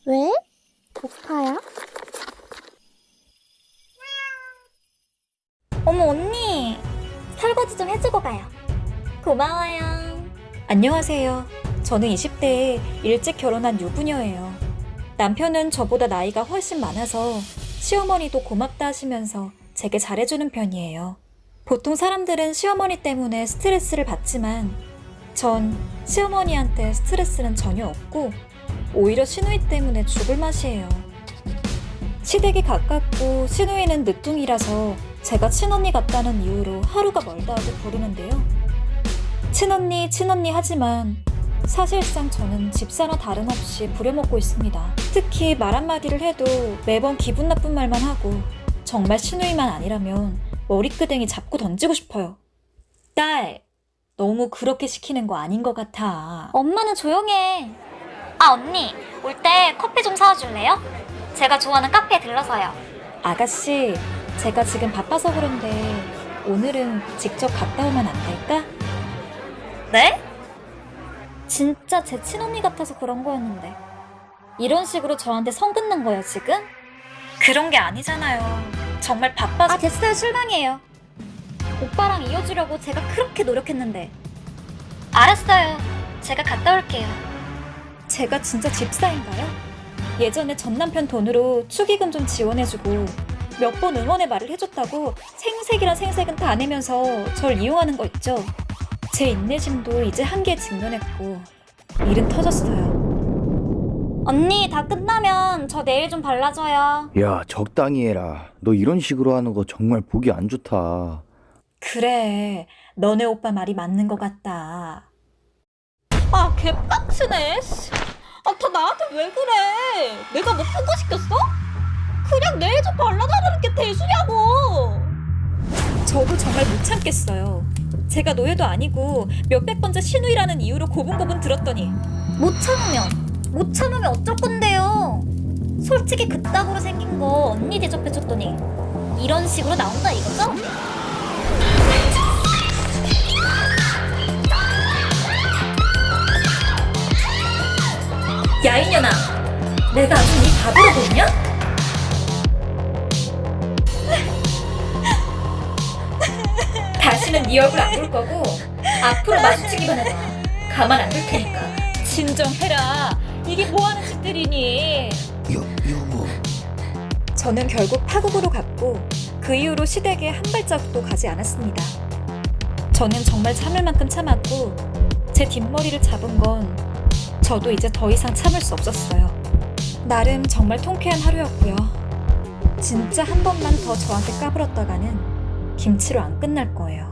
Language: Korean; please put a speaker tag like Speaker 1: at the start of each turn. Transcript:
Speaker 1: 왜? 오빠야?
Speaker 2: 어머 언니, 설거지 좀 해주고 가요. 고마워요.
Speaker 3: 안녕하세요. 저는 20대에 일찍 결혼한 유부녀예요. 남편은 저보다 나이가 훨씬 많아서 시어머니도 고맙다 하시면서 제게 잘해주는 편이에요. 보통 사람들은 시어머니 때문에 스트레스를 받지만 전 시어머니한테 스트레스는 전혀 없고 오히려 시누이 때문에 죽을 맛이에요. 시댁이 가깝고 시누이는 늦둥이라서 제가 친언니 같다는 이유로 하루가 멀다 하고 부르는데요. 친언니 하지만 사실상 저는 집사나 다름없이 부려먹고 있습니다. 특히 말 한마디를 해도 매번 기분 나쁜 말만 하고 정말 시누이만 아니라면 머리끄댕이 잡고 던지고 싶어요. 딸, 너무 그렇게 시키는 거 아닌 것 같아.
Speaker 2: 엄마는 조용해. 아 언니, 올 때 커피 좀 사와줄래요? 제가 좋아하는 카페에 들러서요.
Speaker 3: 아가씨, 제가 지금 바빠서 그런데 오늘은 직접 갔다 오면 안 될까?
Speaker 2: 네? 진짜 제 친언니 같아서 그런 거였는데 이런 식으로 저한테 성 긋는 거예요 지금?
Speaker 3: 그런 게 아니잖아요. 정말 바빠서.
Speaker 2: 아 됐어요, 실망이에요. 오빠랑 이어주려고 제가 그렇게 노력했는데. 알았어요, 제가 갔다 올게요.
Speaker 3: 제가 진짜 집사인가요? 예전에 전 남편 돈으로 축의금 좀 지원해주고 몇 번 응원의 말을 해줬다고 생색이란 생색은 다 내면서 절 이용하는 거 있죠? 제 인내심도 이제 한계에 직면했고 일은 터졌어요.
Speaker 2: 언니, 다 끝나면 저 내일 좀 발라줘요.
Speaker 4: 야, 적당히 해라. 너 이런 식으로 하는 거 정말 보기 안 좋다.
Speaker 3: 그래, 너네 오빠 말이 맞는 것 같다.
Speaker 5: 아, 개빡치네. 씨. 아, 다 나한테 왜 그래? 내가 뭐 큰 거 시켰어? 그냥 내일 좀 발라달라는 게 대수냐고.
Speaker 3: 저도 정말 못 참겠어요. 제가 노예도 아니고 몇백 번째 시누이라는 이유로 고분고분 들었더니
Speaker 2: 못 참으면 어쩔 건데요. 솔직히 그따구로 생긴 거 언니 대접해줬더니 이런 식으로 나온다 이거죠?
Speaker 3: 야 이년아, 내가 아주 네 바보로 보이냐? 다시는 네 얼굴 안 볼 거고 앞으로 마주치기만 해봐. 가만 안 둘 테니까. 진정해라. 이게 뭐하는 짓들이니?
Speaker 4: 여보.
Speaker 3: 저는 결국 파국으로 갔고 그 이후로 시댁에 한 발자국도 가지 않았습니다. 저는 정말 참을 만큼 참았고 제 뒷머리를 잡은 건 저도 이제 더 이상 참을 수 없었어요. 나름 정말 통쾌한 하루였고요. 진짜 한 번만 더 저한테 까불었다가는 김치로 안 끝날 거예요.